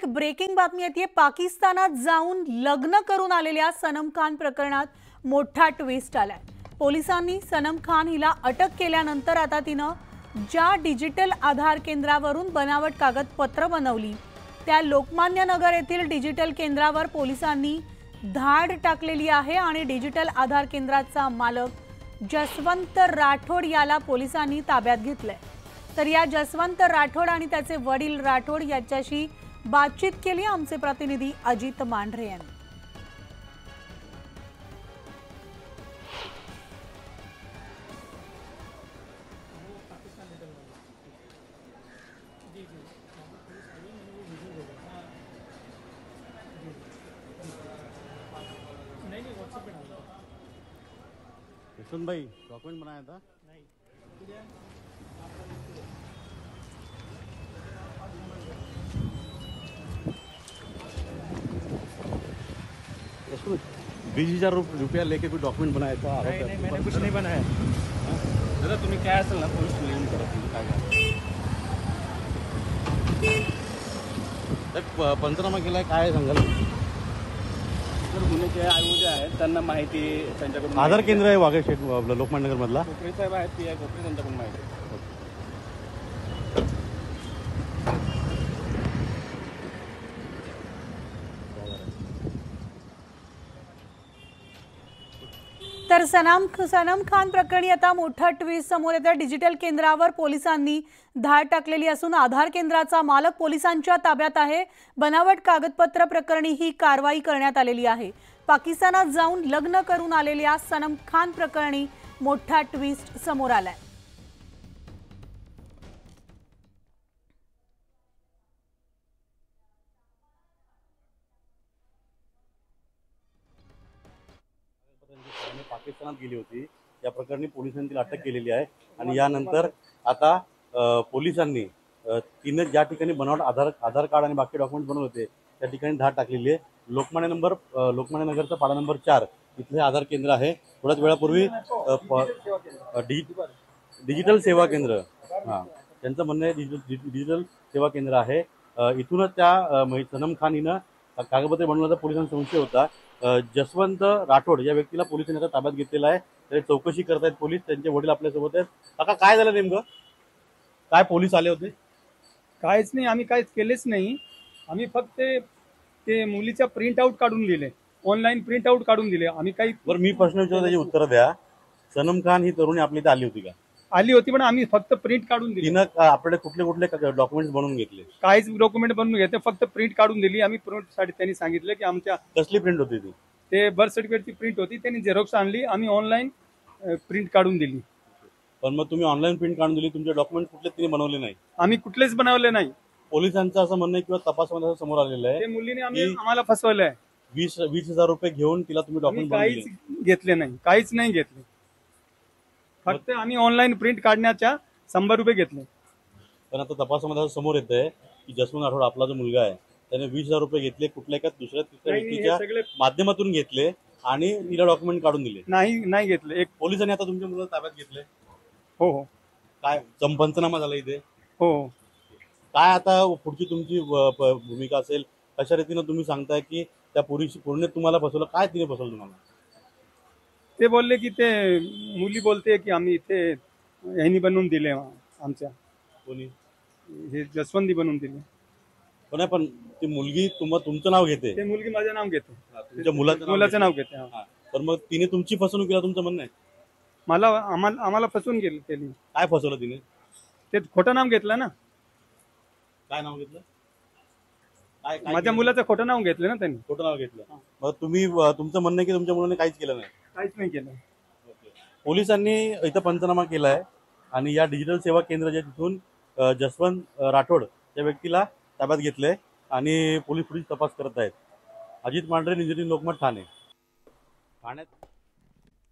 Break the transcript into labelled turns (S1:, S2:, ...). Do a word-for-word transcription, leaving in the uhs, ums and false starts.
S1: एक ब्रेकिंग बातमी येते। पाकिस्तानात जाऊन लग्न करून आलेल्या सनम खान प्रकरणात मोठा ट्विस्ट आलाय। पोलिसांनी सनम खान हिला अटक केल्यानंतर आता तिनं ज्या डिजिटल आधार केंद्रावरून बनावट कागदपत्र बनवली त्या लोकमान्य नगर येथील डिजिटल केंद्रावर पोलिसांनी धाड टाकलेली आहे आणि डिजिटल आधार केंद्राचा मालक जसवंत राठोड याला पोलिसांनी ताब्यात घेतलंय। तर या जसवंत राठोड आणि त्याचे वडील राठोड याच्याशी बातचीत केली आमचे प्रतिनिधी अजित मांढरे यांनी।
S2: यशवंत भाई डॉक्यूमेंट बनाया था नहीं बीस हजार रुपया लेके कोई डॉक्यूमेंट बनाया था?
S3: नहीं नहीं मैंने कुछ नहीं बनाया। दादा तुम्ही काय असेल ना पोलीस क्लेम करा, तुम्ही काय
S2: करा पंचनामा केलाय, काय सांगाल?
S3: गुन्हे जे आयोग जे आहेत त्यांना माहिती त्यांच्याकडून
S2: आधार केंद्र आहे वाघे शेठ लोकमान्य नगर मधला
S3: कोपरे साहेब आहेत, पी आय कोपरे, त्यांच्याकडून माहिती।
S1: तर सनम सनम खान प्रकरणी आता मोठा ट्विस्ट समोर येतं। डिजिटल केंद्रावर पोलिसांनी धाड टाकलेली असून आधार केंद्राचा मालक पोलिसांच्या ताब्यात आहे। बनावट कागदपत्र प्रकरणी ही कारवाई करण्यात आलेली आहे। पाकिस्तानात जाऊन लग्न करून आलेल्या सनम खान प्रकरणी मोठा ट्विस्ट समोर आलाय।
S2: पाकिस्तानात गेली होती, या प्रकरणी पोलिसांनी तिला अटक केलेली आहे आणि यानंतर आता पोलिसांनी तिने ज्या ठिकाणी बनावट आधार आधार कार्ड आणि बाकी डॉक्युमेंट बनवले होते त्या ठिकाणी धाड टाकलेली आहे। लोकमान्य नंबर लोकमान्य नगरचा पाडा नंबर चार इथले आधार केंद्र आहे। थोड्याच वेळापूर्वी डिजिटल सेवा केंद्र, हां त्यांचं म्हणणं आहे डिजिटल सेवा केंद्र आहे, इथूनच त्या सनम खान हिनं कागदपत्रे बनवण्याचा पोलिसांना संशय होता। जसवंत राठोड या व्यक्तीला पोलिसांनी आता ताब्यात घेतलेला आहे। त्याची चौकशी करतायत पोलीस, त्यांचे वडील आपल्यासोबत आहेत। काका काय झालं नेमकं? काय पोलीस आले होते?
S4: काहीच नाही, आम्ही काहीच केलेच नाही। आम्ही फक्त ते मुलीचा प्रिंट आउट काढून दिले, ऑनलाईन प्रिंट आउट काढून दिले आम्ही। काही
S2: बरं मी प्रश्न विचारतो त्याची उत्तर द्या। सनम खान ही तरुणी आपली इथे आली होती का?
S4: आली होती, पण आम्ही फक्त प्रिंट काढून दिली।
S2: तिनं आपल्याकडे कुठले कुठले डॉक्युमेंट्स बनवून घेतले?
S4: काहीच डॉक्युमेंट बनवून घेतले, फक्त प्रिंट काढून दिली आम्ही। प्रिंट साठी त्यांनी सांगितलं की आमच्या
S2: कसली प्रिंट होती ती?
S4: ते बर्थ सर्टिफिकेटची प्रिंट होती, त्यांनी झेरॉक्स आणली, आम्ही ऑनलाईन प्रिंट काढून दिली।
S2: पण मग तुम्ही ऑनलाईन प्रिंट काढून दिली, तुमचे डॉक्युमेंट कुठले तिने बनवले नाही?
S4: आम्ही कुठलेच बनवले नाही।
S2: पोलिसांचं असं म्हणणं आहे किंवा तपासामध्ये असं समोर आलेलं आहे
S4: ते मुलीने आम्ही आम्हाला फसवलं आहे।
S2: वीस वीस हजार रुपये घेऊन तिला तुम्ही डॉक्युमेंट
S4: काहीच घेतले नाही, काहीच नाही घेतले, फक्त आम्ही ऑनलाईन प्रिंट काढण्याच्या शंभर रुपये घेतले।
S2: पण आता तपासामध्ये असं समोर येत आहे की जसवंत राठोड आपला जो मुलगा आहे त्याने वीस हजार रुपये घेतले, कुठल्या एका दुसऱ्या तिसऱ्या व्यक्तीच्या माध्यमातून घेतले आणि तिला डॉक्युमेंट काढून दिले?
S4: नाही नाही घेतले। एक
S2: पोलिसांनी आता तुमच्या मुलाला ताब्यात घेतले?
S4: हो हो।
S2: काय पंचनामा झाला इथे?
S4: हो।
S2: काय आता पुढची तुमची भूमिका असेल? कशा रीतीनं तुम्ही सांगताय की त्या पुरीशी पूर्ण तुम्हाला फसवलं? काय तिने फसवलं तुम्हाला?
S4: ते बोलले की ते मुली बोलते की आम्ही इथे ह्यांनी बनवून दिले, आमच्या
S2: कोणी
S4: हे जसवंती बनवून दिले।
S2: पण पण ती मुलगी तुम तुमचं नाव घेते?
S4: ते मुलगी माझं नाव घेते,
S2: तुमच्या मुलाचं
S4: मुलाचं नाव घेते।
S2: पण मग तिने तुमची फसवणूक केला तुमचं म्हणणं आहे?
S4: मला आम्हाला आम्हाला फसवून गेली केली।
S2: काय फसवलं तिने?
S4: ते खोटं नाव घेतलं ना।
S2: काय नाव घेतलं? काय
S4: माझ्या मुलाचं खोटं नाव घेतलं ना त्यांनी।
S2: खोटं नाव घेतलं? मग तुम्ही तुमचं म्हणणं आहे की तुमच्या मुलाने काहीच केलं नाही?
S4: काहीच नाही केलं।
S2: पोलिसांनी इथं पंचनामा केलाय आणि या डिजिटल सेवा केंद्राच्या तिथून जसवंत राठोड या व्यक्तीला ताब्यात घेतलंय आणि पोलीस पुढील तपास करत आहेत। Ajit Mandhare, news eighteen Lokmat, Thane. ठाण्यात